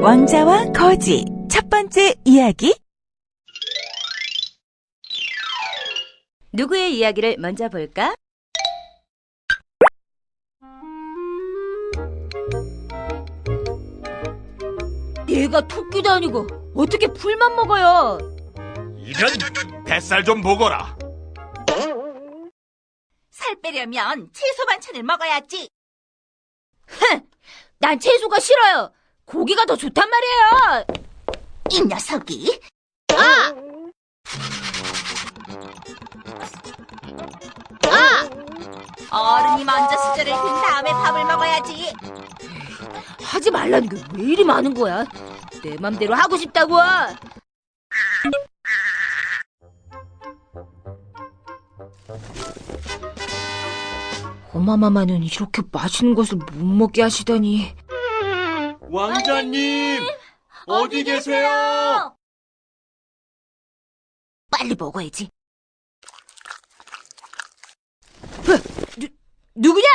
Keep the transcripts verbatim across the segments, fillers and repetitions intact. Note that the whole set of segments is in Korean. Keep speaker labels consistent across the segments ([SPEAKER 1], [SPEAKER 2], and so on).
[SPEAKER 1] 왕자와 거지 첫 번째 이야기. 누구의 이야기를 먼저 볼까?
[SPEAKER 2] 얘가 토끼도 아니고 어떻게 풀만 먹어요?
[SPEAKER 3] 이런 뱃살 좀 보거라.
[SPEAKER 4] 살 빼려면 채소 반찬을 먹어야지.
[SPEAKER 2] 흥! 난 채소가 싫어요. 고기가 더 좋단 말이에요.
[SPEAKER 4] 이 녀석이.
[SPEAKER 2] 아!
[SPEAKER 4] 어른이 먼저 수저를 든 다음에 밥을 먹어야지.
[SPEAKER 2] 하지 말라는 게 왜 이리 많은 거야? 내 맘대로 하고 싶다고. 어마마마는 이렇게 맛있는 것을 못 먹게 하시다니.
[SPEAKER 3] 왕자님, 어디 계세요?
[SPEAKER 2] 빨리 먹어야지. 뭐, 누, 누구냐?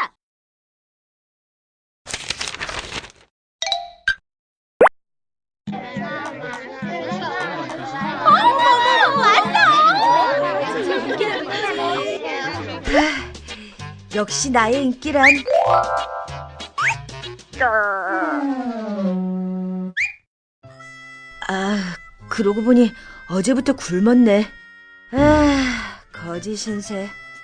[SPEAKER 2] 역시 나의 인기란. 아, 그러고 보니 어제부터 굶었네. 아, 거지 신세.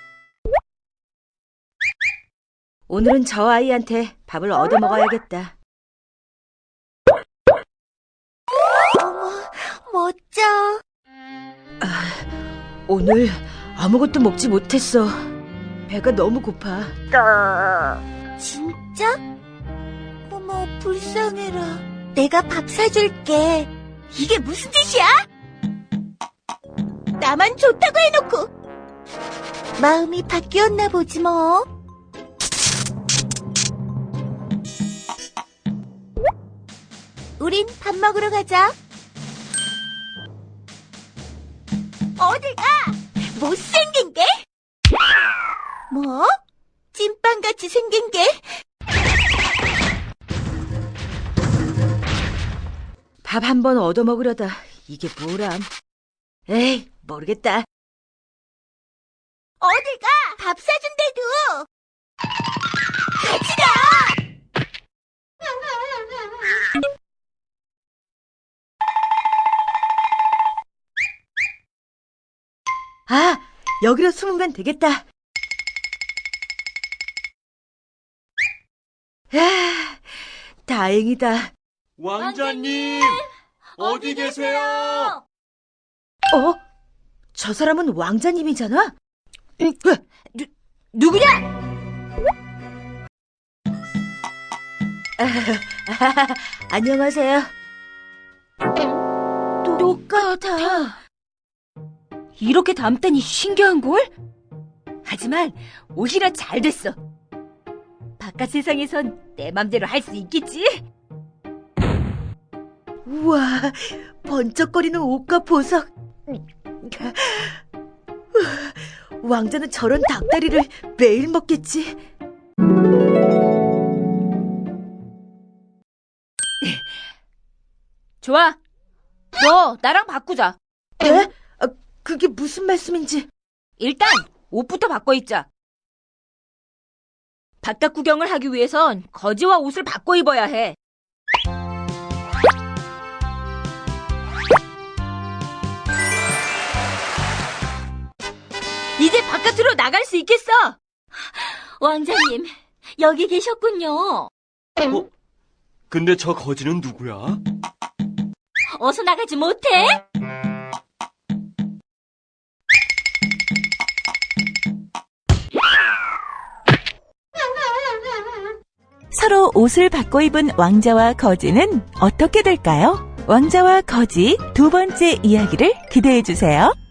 [SPEAKER 2] 오늘은 저 아이한테 밥을 얻어 먹어야겠다.
[SPEAKER 4] 어머, 멋져.
[SPEAKER 2] 아, 오늘 아무것도 먹지 못했어. 배가 너무 고파.
[SPEAKER 4] 진짜? 어머, 불쌍해라. 내가 밥 사줄게. 이게 무슨 뜻이야? 나만 좋다고 해놓고. 마음이 바뀌었나 보지 뭐. 우린 밥 먹으러 가자. 어딜 가? 못생긴 게? 뭐? 찐빵같이 생긴 게?
[SPEAKER 2] 밥 한 번 얻어 먹으려다 이게 뭐람. 에이, 모르겠다.
[SPEAKER 4] 어딜 가? 밥 사준대도. 같이 가!
[SPEAKER 2] 아, 여기로 숨으면 되겠다. 아, 다행이다.
[SPEAKER 3] 왕자님, 어디 계세요?
[SPEAKER 2] 어? 저 사람은 왕자님이잖아? 음, 누, 누구냐? 아, 아, 안녕하세요. 똑같아. 이렇게 닮다니 신기한걸? 하지만 오히려 잘 됐어. 바깥 세상에선 내 맘대로 할 수 있겠지? 우와, 번쩍거리는 옷과 보석. 왕자는 저런 닭다리를 매일 먹겠지? 좋아. 너 나랑 바꾸자. 에? 아, 그게 무슨 말씀인지. 일단 옷부터 바꿔 입자. 바깥 구경을 하기 위해선 거지와 옷을 바꿔 입어야 해. 이제 바깥으로 나갈 수 있겠어. 왕자님, 여기 계셨군요.
[SPEAKER 3] 어? 근데 저 거지는 누구야?
[SPEAKER 2] 어서 나가지 못해?
[SPEAKER 1] 서로 옷을 바꿔 입은 왕자와 거지는 어떻게 될까요? 왕자와 거지 두 번째 이야기를 기대해 주세요.